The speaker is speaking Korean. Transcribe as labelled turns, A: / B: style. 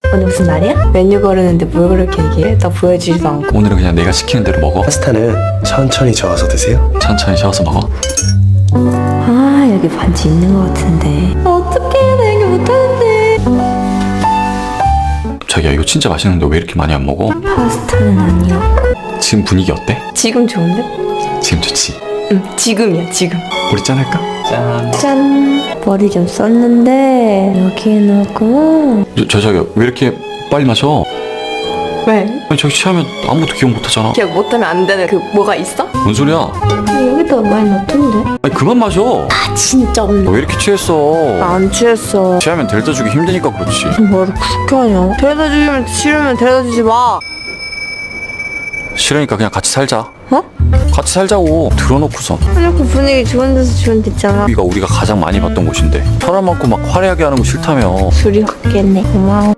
A: 오늘 무슨 날이야? 메뉴 고르는데 뭘 그렇게 얘기해? 나 보여주지도 않고.
B: 오늘은 그냥 내가 시키는 대로 먹어.
C: 파스타는 천천히 저어서 드세요.
B: 천천히 저어서 먹어.
A: 아 여기 반지 있는 것 같은데. 어떡해 나 얘기 못하는데.
B: 자기야 이거 진짜 맛있는데 왜 이렇게 많이 안 먹어?
A: 파스타는 아니었고.
B: 지금 분위기 어때?
A: 지금 좋은데?
B: 지금 좋지?
A: 응 지금이야 지금.
B: 우리 짠할까? 짠.
A: 짠. 머리 좀 썼는데 여기에 넣었구나.
B: 자기야 왜 이렇게 빨리 마셔?
A: 왜?
B: 아니 저기 취하면 아무것도 기억 못하잖아.
A: 기억 못하면 안 되는 그 뭐가 있어?
B: 뭔 소리야?
A: 여기다 많이 넣던데.
B: 아니 그만 마셔.
A: 아 진짜
B: 너
A: 없네.
B: 왜 이렇게 취했어?
A: 안 취했어.
B: 취하면 데려다 주기 힘드니까 그렇지.
A: 뭐를 그렇게 하냐? 데려다 주면 싫으면 데려다 주지 마.
B: 싫으니까 그냥 같이 살자.
A: 어?
B: 같이 살자고. 들어놓고선.
A: 이렇게 분위기 좋은 데서 주면 됐잖아.
B: 여기가 우리가 가장 많이 봤던 곳인데 사람 많고 막 화려하게 하는 거 싫다며.
A: 술이 없겠네. 고마워.